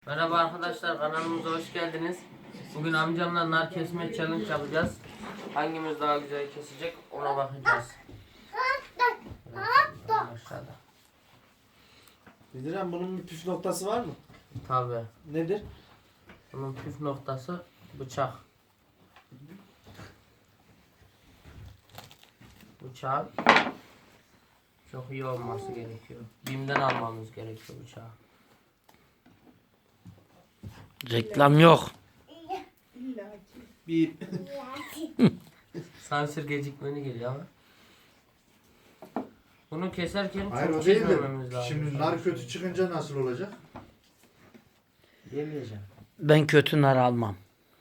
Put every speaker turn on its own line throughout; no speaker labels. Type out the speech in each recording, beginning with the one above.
Merhaba arkadaşlar, kanalımıza hoş geldiniz. Bugün amcamla nar kesme challenge yapacağız. Hangimiz daha güzel kesecek ona bakacağız. Aşağıda.
Bildiren bunun bir püf noktası var mı?
Tabii.
Nedir?
Bunun püf noktası bıçak. Bıçak çok iyi olması gerekiyor. BİM'den almamız gerekiyor bıçağı.
Reklam yok.
Bir
Sansür gecikmeni geliyor ama. Bunu keserken
Hayır
çok
o değil de
çekmememiz lazım.
şimdi nar kötü çıkınca nasıl olacak?
yemeyeceğim.
Ben kötü nar almam.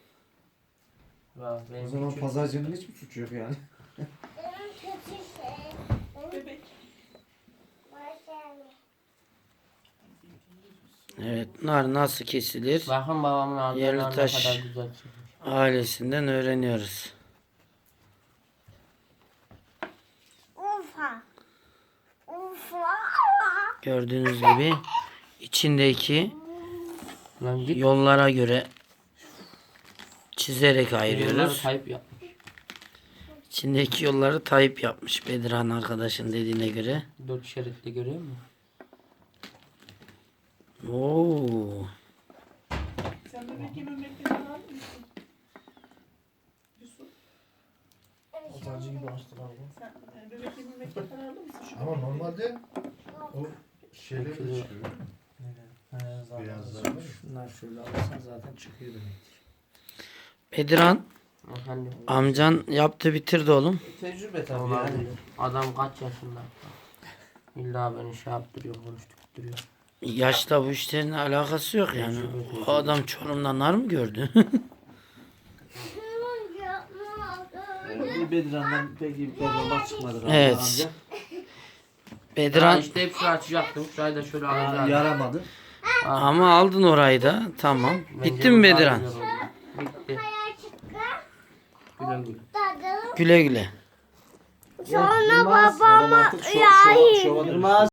Vay, benim
O zaman
küçük-
pazarcının hiçbir suçu yok yani.
Evet, nar nasıl kesilir?
Bakın babamın aldığı
Yerli
nar ne
taş.
kadar güzel çıkmış.
Ailesinden öğreniyoruz.
Ufa.
Gördüğünüz gibi içindeki
Lan git.
yollara göre çizerek
Yolları
ayırıyoruz.
kayıp yap.
İçindeki yolları Tayyip yapmış Bedirhan arkadaşın dediğine göre.
4 şeritli görüyor musun?
Oo.
Sen bebek yememekten alır mısın? Yusuf,
Pazarcı gibi açtılar bu.
sen bebek yememekten alır mısın? Şu
Ama normalde o şeyler de çıkıyor. Beyazlar var ya.
Şunlar şöyle alırsan zaten çıkıyor demektir.
Bedirhan
Efendim.
amcan yaptı bitirdi oğlum.
Tecrübe tabii
Olabilir.
yani.
Adam kaç yaşında? İlla beni şey yaptırıyor, konuşturuyor.
Yaşta bu işlerin alakası yok yani. O adam Çorum'da nar mı gördü?
Bir Bedirhan'dan pek bir performans çıkmadı. galiba
Evet.
amca.
Bedirhan
İşte hep şunu açacaktım. Şurayı da şöyle
Aa,
alacağım.
yaramadı.
ama aldın orayı da. Tamam.
Bence
Bitti mi
bu daha
Bedirhan?
güzel oldu. Bitti. Güle güle.
Güle güle.
Sonra
Yılmaz,
babam
babam artık
ya
şova dönüştü.